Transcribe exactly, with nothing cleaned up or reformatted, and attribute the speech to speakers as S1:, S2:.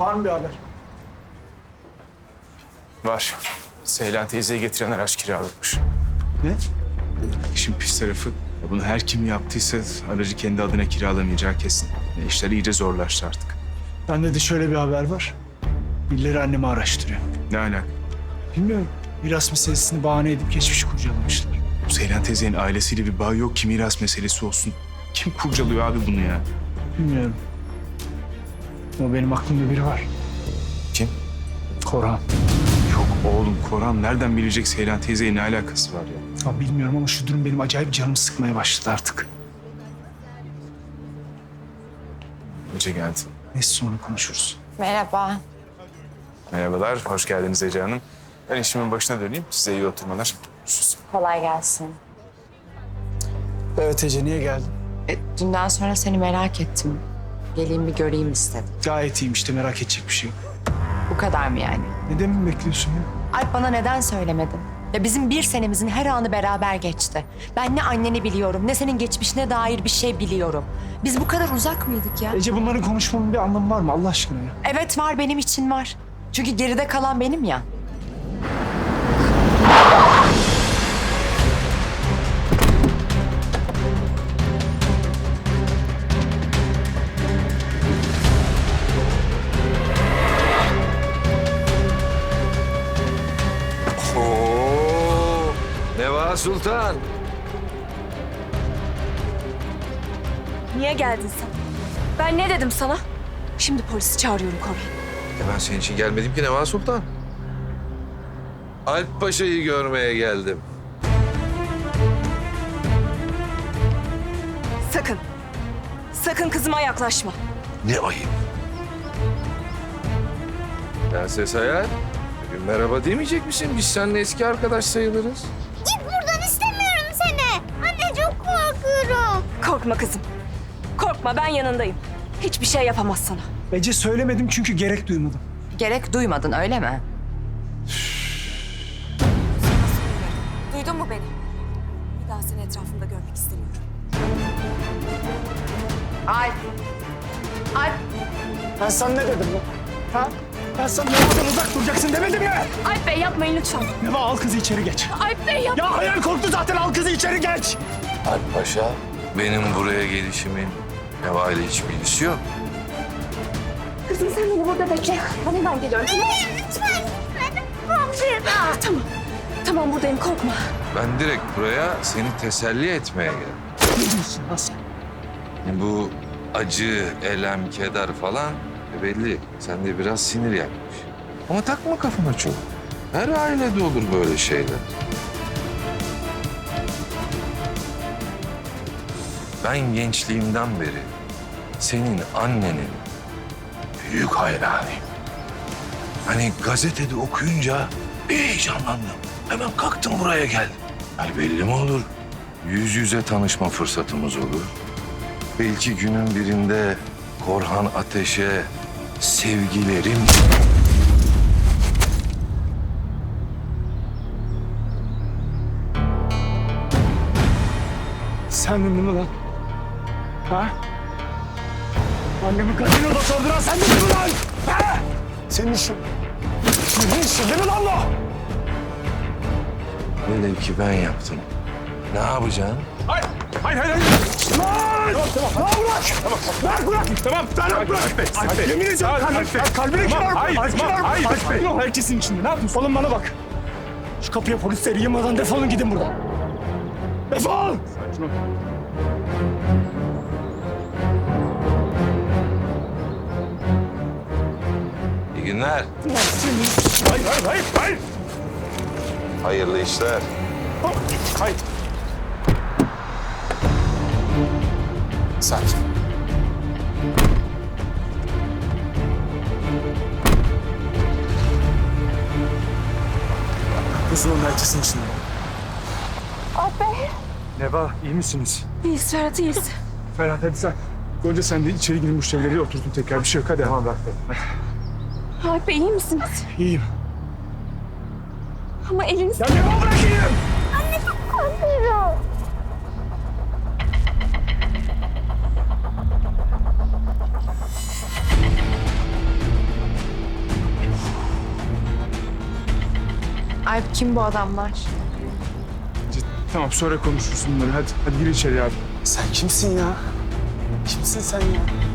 S1: Var mı bir haber?
S2: Var. Seylan teyzeyi getiren araç kiralıkmış.
S1: Ne?
S2: İşin pis tarafı, ya bunu her kim yaptıysa aracı kendi adına kiralamayacağı kesin. Ya işler iyice zorlaştı artık.
S1: Bende de şöyle bir haber var. Birileri annemi araştırıyor.
S2: Ne alaka?
S1: Bilmiyorum. Miras meselesini bahane edip geçmişi kurcalamışlar.
S2: Bu Seylan teyzenin ailesiyle bir bağı yok ki miras meselesi olsun. Kim kurcalıyor abi bunu ya?
S1: Bilmiyorum. Ama benim aklımda biri var.
S2: Kim?
S1: Korhan.
S2: Yok oğlum, Koran nereden bilecek Seylan teyzeyle ne alakası var ya?
S1: Ya bilmiyorum ama şu durum benim acayip canımı sıkmaya başladı artık.
S2: Ece geldi.
S1: Neyse sonra konuşuruz.
S3: Merhaba.
S2: Merhabalar, hoş geldiniz Ece Hanım. Ben işimin başına döneyim, size iyi oturmalar. Görüşürüz.
S3: Kolay gelsin.
S1: Evet Ece, niye geldin?
S3: E, dünden sonra seni merak ettim. Geleyim bir göreyim istedim.
S1: Gayet iyiyim işte, merak edecek bir şey yok.
S3: Bu kadar mı yani?
S1: Neden mi bekliyorsun ya?
S3: Alp bana neden söylemedin? Ya bizim bir senemizin her anı beraber geçti. Ben ne anneni biliyorum, ne senin geçmişine dair bir şey biliyorum. Biz bu kadar uzak mıydık ya?
S1: Ece, bunların konuşmanın bir anlamı var mı Allah aşkına ya?
S3: Evet var, benim için var. Çünkü geride kalan benim ya.
S4: Oo, Neva Sultan.
S5: Niye geldin sen? Ben ne dedim sana? Şimdi polisi çağırıyorum Koray.
S4: E ben senin için gelmedim ki Neva Sultan. Alp Paşa'yı görmeye geldim.
S5: Sakın. Sakın kızıma yaklaşma.
S4: Ne ayıp. Prenses Hayal, bugün merhaba demeyecek misin? Biz seninle eski arkadaş sayılırız.
S6: Git buradan, istemiyorum seni. Anne çok korkuyorum.
S5: Korkma kızım. Korkma, ben yanındayım. Hiçbir şey yapamaz sana.
S1: Ece, söylemedim çünkü gerek duymadım.
S3: Gerek duymadın öyle mi?
S5: Duydun mu beni? Bir daha seni etrafımda görmek istemiyorum.
S3: Alp. Alp.
S1: Ben sana ne dedim lan? Ha? Ben sana Neva'dan uzak duracaksın demedim ya!
S5: Alp Bey yapmayın lütfen.
S1: Neva, al kızı içeri geç.
S5: Alp Bey yap.
S1: Ya hayal korktu zaten, al kızı içeri geç!
S4: Alp Paşa, benim buraya gelişimin Neva ile hiç bilgisi yok.
S5: Kızım sen beni burada bekle. Ben hemen geliyorum. Tamam.
S6: Lütfen, lütfen. Korkuyorum.
S5: Tamam. Tamam buradayım, korkma.
S4: Ben direkt buraya seni teselli etmeye geldim.
S1: Ne diyorsun lan sen?
S4: Bu acı, elem, keder falan e belli. Sende biraz sinir yakmış. Ama takma kafana çok. Her ailede olur böyle şeyler. Ben gençliğimden beri senin annenin büyük hayranıyım. Hani gazetede okuyunca bir heyecanlandım. Hemen kalktım buraya geldim. Yani belli mi olur? Yüz yüze tanışma fırsatımız olur. Belki günün birinde Korhan Ateş'e sevgilerim...
S1: Sendin değil mi lan? Ha? Annemi gazinoda sorduran sendin değil mi lan? Ha? Senin işin. Senin işin değil mi lan bu?
S4: Velev ki ben yaptım. Ne yapacaksın?
S1: Hayır, hayır, hayır, hayır. Lan! Tamam, tamam. Lan bırak! Tamam, bırak, bırak! Tamam, tamam, bırak! Alp Bey, Alp Bey. Yemin ediyorum kalbim, kalbine kırar. Hayır, hayır, hayır, hayır. Yok, herkesin içinde. Ne yapıyorsun? Oğlum bana bak. Şu kapıya polisleri yığmadan defolun gidin buradan. Defol! Sakin ol.
S4: İyi günler.
S1: Hayır, hayır, hayır, hayır.
S4: Hayırlı işler.
S1: Hayır.
S2: Sakin.
S1: Kızılın herkesin içinde.
S5: Alp Bey.
S1: Neva, iyi misiniz?
S5: İyiyiz Ferhat, iyiyiz.
S1: Ferhat, hadi sen. Gonca, sen de içeri girin, müşterileri oturtun tekrar. Bir şey yok, hadi. Tamam, bırak. Hadi.
S5: Alp Bey iyi misiniz?
S1: İyiyim.
S5: Ama eliniz...
S1: Ya Neva, bırakayım!
S6: Anne çok korkuyorum.
S3: Alp kim bu adamlar?
S2: Tamam sonra konuşuruz bunları. Hadi, hadi gir içeri abi.
S1: Sen kimsin ya? Kimsin sen ya?